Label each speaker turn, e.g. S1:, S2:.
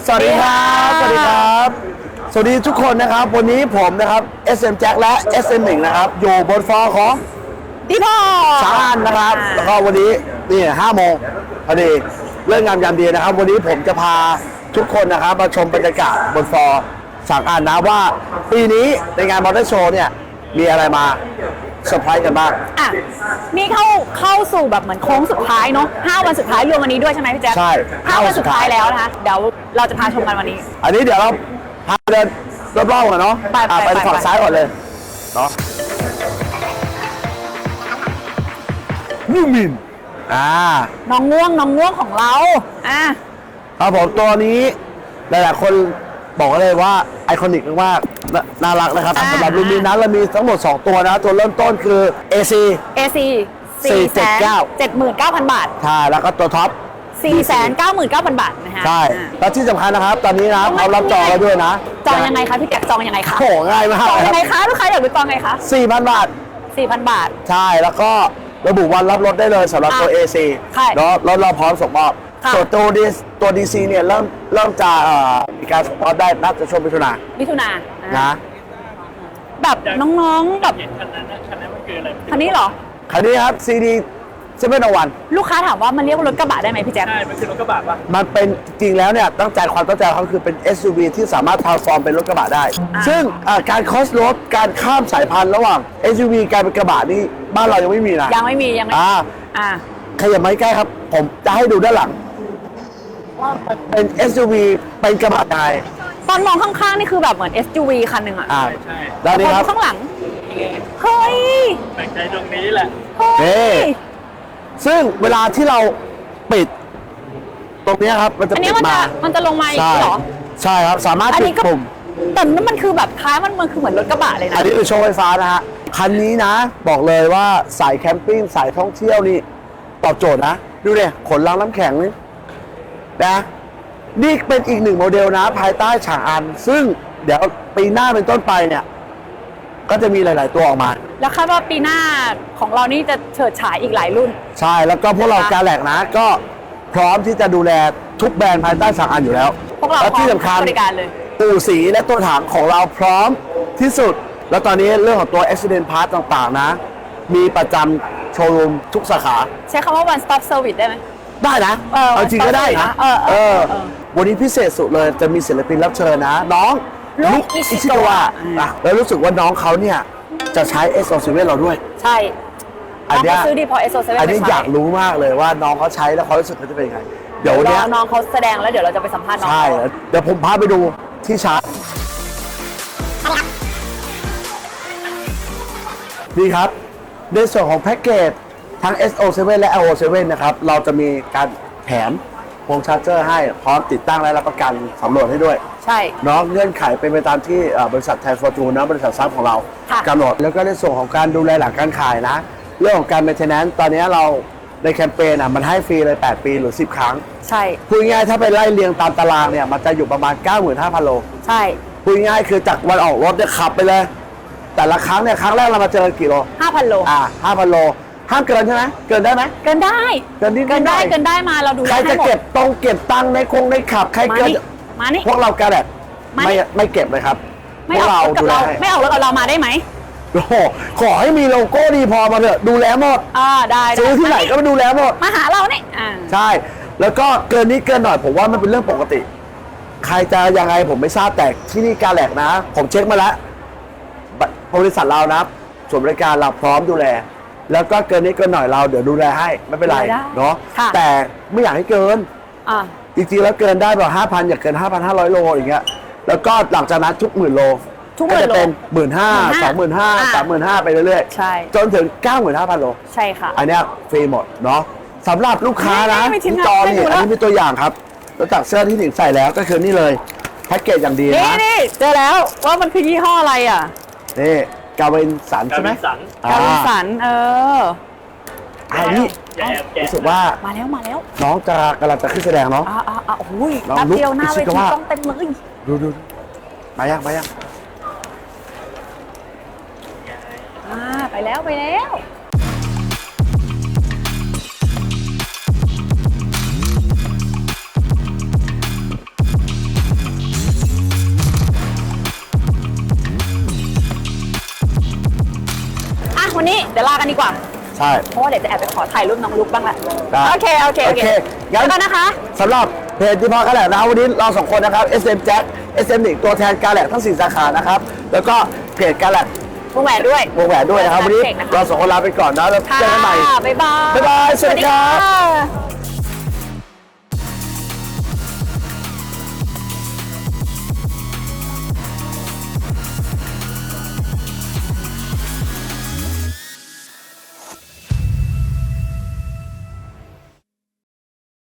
S1: สวัสดีครับสวัสดีครับสวัสดีทุกคนนะครับวันนี้ผมนะครับ SM Jack และ SM1 นะครับอยู่บนฟอร์ของ
S2: พี่พ่อ
S1: ชานนะครับแล้วก็วันนี้นี่5 โมงพอดีเรื่องงามยามดีนะครับวันนี้ผมจะพาทุกคนนะครับมาชมบรรยากาศบนฟอร์สั่งอ่านนะว่าปีนี้ในงานมอเตอร์โชว์เนี่ยมีอะไรมาเซอร์ไพรส์กันบ้าง
S2: นี่เข้าสู่แบบเหมือนโค้งสุดท้ายเนาะ5 วันสุดท้ายรวมวันนี้ด้วยใช่ไหมพี่แจ๊ค
S1: ใช่
S2: 5 วันสุดท้ายแล้วนะคะเดี๋ยวเราจะพาชมกันวันนี้
S1: อันนี้เดี๋ยวเราพาเดินรอบๆกันเนาะไปฝั่งซ้ายก่อนเลยเนาะนูมิน
S2: น้องง่วงของเรา
S1: ครับผมตัวนี้หลายๆคนบอกเลยว่าไอคอนิกมากน่ารักนะครับสำหรับลูมินนั้นเรามีทั้งหมด2ตัวนะตัวเริ่มต้นคือ AC
S2: 479,000 บาท
S1: ใช่แล้วก็ตัวท็อป
S2: 499,000 บาทนะคะ
S1: ใช่แล้วที่สำคัญนะครับตอนนี้นะเรารับจองแล้วด้วยนะ
S2: จองยังไงคะพี่แจ๊คจองยังไงคะ
S1: โอ้ง่ายมาก
S2: จองยังไงคะลูกค้าอยากรู้จองไงคะ
S1: 4,000 บาท
S2: 4,000 บาท
S1: ใช่แล้วก็ระบุวันรับรถได้เลยสำหรับตัว AC เนาะรถเราพร้อมส่งมอบส่วนตัว DC เนี่ยเริ่มจะมีการส่งมอบได้น่าจะช่วงมิถุนายนนะ
S2: แบบน้องๆแบบ
S3: คันนั้นมันคืออะไร
S2: คันนี้เหรอ
S1: คันนี้ครับ CD 701
S2: ลูกค้าถามว่ามันเรียกว่ารถกระบะได้ไหมพี่แจ๊ค
S3: ใช่มันคือรถกระบะปะ
S1: มันเป็นจริงแล้วเนี่ยความตั้งใจเขาคือเป็น SUV ที่สามารถทรานส์ฟอร์มเป็นรถกระบะได้ซึ่งการคอสรถการข้ามสายพันธุ์ระหว่าง SUV กลายเป็นกระบะนี่บ้านเรายังไม่มีนะ
S2: ยังไม่มี
S1: ขยับมาใกล้ครับผมจะให้ดูด้านหลังว่าเป็น SUV เป็นกระบะได้
S2: ตอนมองข้างๆนี่คือแบบเหมือน SUV คันหนึ่ง
S3: ใช่
S1: แล้วนี่ครับ
S2: ข้างหลังเฮ้ย
S3: แปลกใจตรงนี้แหละ
S1: ซึ่งเวลาที่เราปิดตรงนี้ครับมันจะปิด
S2: มันจะลงมาอีกเหรอ
S1: ใช่ครับสามารถปิดปุ่ม
S2: แต่นั่นมันคือแบบท้ายมันคือเหมือนรถกระบะเลยนะ
S1: อันนี้คือโชว์ไฟฟ้านะฮะคันนี้นะบอกเลยว่าสายแคมปิ้งสายท่องเที่ยวนี่ตอบโจทย์นะดูดิขนลังน้ำแข็งนี่นะนี่เป็นอีก1 โมเดลนะภายใต้ฉางอันซึ่งเดี๋ยวปีหน้าเป็นต้นไปเนี่ยก็จะมีหลายๆตัวออกมา
S2: แล้วคาดว่าปีหน้าของเรานี่จะเฉิดฉายอีกหลายรุ่น
S1: ใช่แล้วก็พวกเราการแหลกนะก็พร้อมที่จะดูแลทุกแบรนด์ภายใต้ฉางอันอยู่แล้ว
S2: พวกเรา
S1: และที่สำคัญ
S2: บริการเลย
S1: อู่สีและตัวถังของเราพร้อมที่สุดแล้วตอนนี้เรื่องของตัว Accident Part ต่างๆนะมีประจำโชว์รูมทุกสาขา
S2: ใช้คำว่า one stop service ได้ไหม
S1: ได้นะเอาจริงก็ได้นะวันนี้พิเศษสุดเลยจะมีศิลปินรับเชิญนะน้องลุกอิชิโกะแล้วรู้สึกว่าน้องเขาเนี่ยจะใช้ S27 เราด้วย
S2: ใช่
S1: อันนี้
S2: ซื้อดีพอ S27
S1: อันนี้อยากรู้มากเลยว่าน้องเขาใช้แล้วเขารู้สึกเขาจะเป็นยังไงเดี๋ยวนี้
S2: น้องเขาแสดงแล้วเดี๋ยวเราจะไปสัมภาษณ์น้อง
S1: ใช่เดี๋ยวผมพาไปดูที่ชาร์จดีครับในส่วนของแพ็กเกจทั้ง SO7 และ LO7 นะครับเราจะมีการแถมพวงชาร์จเจอร์ให้พร้อมติดตั้งและรับประกันสำรวจให้ด้วย
S2: ใช่
S1: น้องเงื่อนไขเป็นไปตามที่บริษัทไทยฟอร์จูนนะบริษัทซับของเรากำหนดแล้วก็ในส่วนของการดูแลหลังการขายนะเรื่องของการเมนเทนแนนซ์ตอนนี้เราในแคมเปญมันให้ฟรีเลย8 ปีหรือ10 ครั้ง
S2: ใช่
S1: พูดง่ายถ้าไปไล่เรียงตามตารางเนี่ยมันจะอยู่ประมาณ 95,000 โล
S2: ใช่
S1: พูดง่ายคือจากวันออกรถเนี่ยขับไปเลยแต่ละครั้งเนี่ยครั้งแรกเรามาเจอกี่โล
S2: 5,000 โล
S1: 5,000 โลห้ามเกินใช่ไหมเกินได้ไหม
S2: เกินได้
S1: เกิน
S2: ได้มาเราดู
S1: ใครจะเก็บตังค์ในขับใครเกิน
S2: มานี่
S1: พวกเราแกแหละไม่เก็บเลยครับ
S2: พวกเราดูแลไม่ออกรถกับเรามาได้ไหม
S1: โอ้โหขอให้มีโลโก้ดีพอมาเถอะดูแลหมด
S2: ได้
S1: ซื้อที่ไหนก็มาดูแลหมด
S2: มาหาเราเนี่ย
S1: ใช่แล้วก็เกินนี้เกินหน่อยผมว่ามันเป็นเรื่องปกติใครจะยังไงผมไม่ทราบแต่ที่นี่การแหลกนะผมเช็คมาแล้วบริษัทเรานะส่วนบริการเราพร้อมดูแลแล้วก็เกินนี้เกินหน่อยเราเดี๋ยวดูแลให้ไม่เป็นไรเนาะแต่ไม่อยากให้เกินจริงๆแล้วเกินได้แบบ 5,000 อย่าเกิน 5,500 โลอย่างเงี้ยแล้วก็หลังจากนั้นทุก10,000 โลก็จะเป็น 15,000 25,000 35,000ไปเรื่อย
S2: ๆใช่
S1: จนถึง 95,000 โล
S2: ใช่ค่ะ
S1: อันนี้ฟรีหมดเนาะสำหรับลูกค้านะที่จอนี่อันนี้เป็นตัวอย่างครับแล้วจากเสื้อที่หนิงใส่แล้วก็คือนี่เลยแพ็กเกจอย่างดีนะ
S2: นี่เจอแล้วว่ามันคือยี่ห้ออะไร
S1: นี่กาเวนสันใช่ไหม
S2: กาเวนสัน
S1: อันนี้รู้สึกว่า
S2: มาแล้ว
S1: น้องจะกำลังจะขึ้นแสดงเนาะ
S2: โอ้ยแป๊บเดียวหน้าเวทีต้องเต็มเลย
S1: ดูมายัง
S2: ไปแล้ววันนี้เดี๋ยวลากันดีกว่า
S1: ใช่
S2: เพราะว่าเดี๋ยวจะแอบไปขอถ่ายรูปน้องลุกบ้างแหละ
S1: ได้
S2: โอเคโอเค
S1: โอเคงั้
S2: งั้
S1: น
S2: นนะคะ
S1: สำหรับเพจที่พ่อการแหลกนะวันนี้เราสองคนนะครับ SM Jack SM หนึ่งตัวแทนการแหลกทั้ง 4 สาขานะครับ แล้วก็เพจการแหลก
S2: วงแหวนด้วย
S1: วงแหวนด้วยนะครับ วันนี้
S2: เก่งนะคะ
S1: เราสองคนลาไปก่อนนะแล้ว
S2: ค่ะ
S1: เจอกันใหม่
S2: บ๊ายบาย
S1: บ๊ายบายสวัสดีครับ
S2: สวัสดีค่ะ